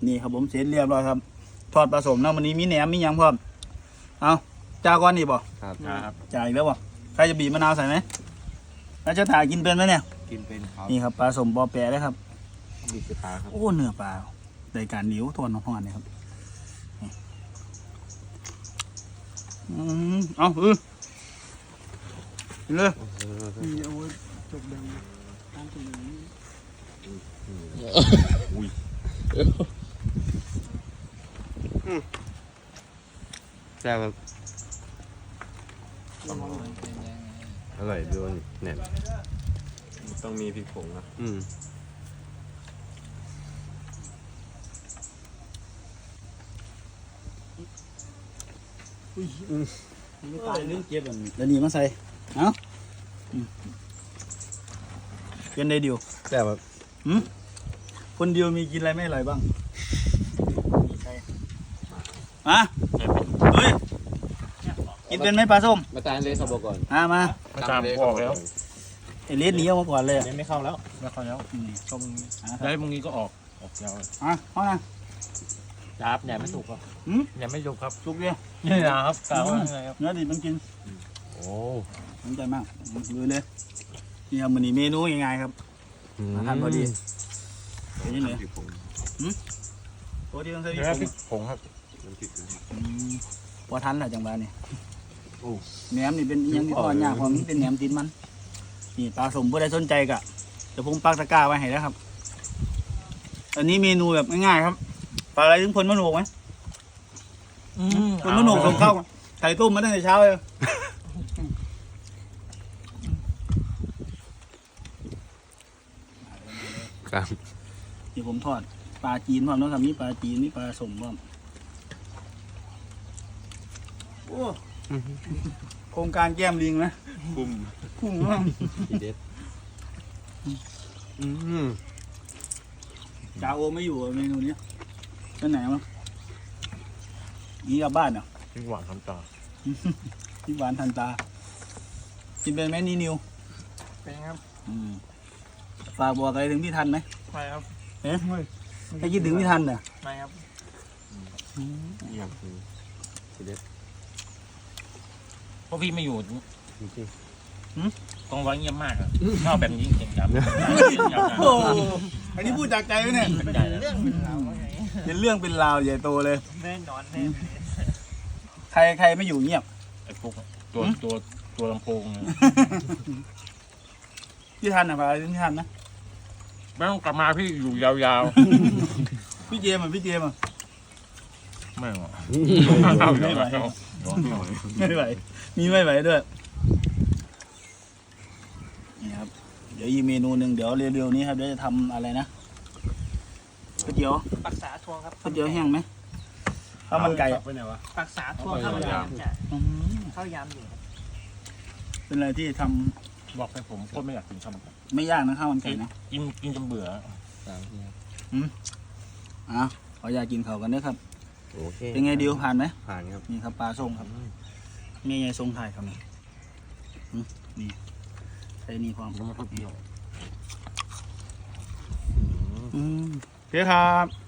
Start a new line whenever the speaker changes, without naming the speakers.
นี่ครับผมเสร็จเรียบร้อยครับทอดผสมนะวันนี้มีแหนมมียังพร้อมเอาจ้าก้อนนี่บ่
ครับ
จ่ายอีกแล้วบ่ใครจะบีบมะนาวใส่ไหมแล้วจะถ่ายกินเป็นไหมเนี่ย
กินเป็นครับ
นี่ครับปลาสมปอแปะเลยครับ
บีบปลาครับ
โอ้เนื้อปลาได้การเหนียวทวนน้ำห่อนเนี่ยครับเอากินเลย
แซ่บครับอร่อยด้วยเนี่ย
ต้องมีพริกผงนะ
ไม่ตายเรื่องเก็บแล้วนี่มาใส่เอาเป็นได้เดียว
แซ่บครับ
คนเดียวมีกินอะไรไม่อร่อยบ้างอะเฮ้ยกินเป็นไหมปลาส้ม
มาตานเลยครับบอกก่อน
มา
มาตามออกแล้ว
ไอเลสหนีออกมาก่อนเลย
ไม่เข้าแล้วไม่เข้าแล้วช่องแล้วมึงนี้ก็ออกยาว
เข้านะ
ครับแหนมไม่สุกครับแหนมไม่สุกครับ
สุกเลย
นี่นะครับกล่าวว่าไงครับ
เนื้อดิบมันกิน
โอ้
สนใจมากดูเลยนี่ครับมันนี่เมนูยังไงครับอาหารพอดีเป็นยังไงปกติต้องใส่พริก
พริกผงครับ
พอทันแหละจังหวะนี่แหนมนี่เป็นยังที่ทอดยากเพราะมันเป็นแหนมติดมันนี่ปลาสมผู้ใดสนใจกะจะผมปักตะกร้าไว้ให้แล้วครับอันนี้เมนูแบบง่ายๆครับปลาอะไรถึงพลมะโนกไหมพลมะโนกส่งเข้าไข่ต้มมาตั้งแต่เช้าเลย
ครับ
ที่ผมทอดปลาจีนพร้อมแล้วครับมีปลาจีนมีปลาสมพร้อมโอ้โครงการแก้มลิงนะ
บุ้ม
พุ่งมาก
ทีเด็ด
จ่าโอไม่อยู่เมนูนี้ไปไหนมั้งนี่กลับบ้านเหรอ
พริกหวานทำตา
ที่หวานทันตากินเป็นไหมนี่นิว
เป็นครับ
ฝากบอกอะไรถึงพี่ทันไหม
ไม่ครับ
เอ๊ะให้คิดถึงพี่ทันเหรอ
ไม่ครับ
เยี่ยมทีเด็ด
เพราะพี่ไม่อยู่
จริง
ต้องไว้เงียบมากอะชอบแบบนี้เก่งจัง
โอ้อันนี้พูดจากใจไหมเนี่ย
เรื่องเป็นราว
เป็นเรื่องเป็นราวใหญ่โตเลย
แน่นอนแน่
ใครไม่อยู่เงียบ
ไอ้พวกตัวลำโพงเนี่ย
พี่ทันอ่ะฝากอะไรถึงพี่ทันนะ
ไม่ต้องกลับมาพี่อยู่ยาว
พี่เจมส์อ่ะพี่เจมส์อ่ะ
ๆไม่หรอก
ไม่ไหวไม่ไหวมีไม่ไหวด้วยนี่ครับเดี๋ยวอีกเมนูหนึ่งเดี๋ยวเร็วๆนี้ครับเดี๋ยวจะทำอะไรนะก๋วยเตี๋ยว
ปักษาทวงครับ
ก๋วยเตี๋ยวแห้งไหมข้าวมันไก่
ไปไหนวะ
ปักษาทวงข้าวยำจ้ะ
อื้อหือ
ข้าวยำอยู่ครับ
เป็นอะไรที่ทำ
บอกให้ผมโคตรไม่อยากกินข้าวมันไก่
ไม่ยากนะข้าวมันไก่นะ
กินจนเบื่อ
ขออยากกินเขาวกันเด้อครับ
โอเค
เป็นไงดิวผ่านไหม
ผ่านครับ
นี่ครับปลาส้มครับนี่ไงทรงถ่ายครับนี่นี่ใส่นี่พร้อม
มันไม่ค่อยเปรี้ยว
โอเคครับ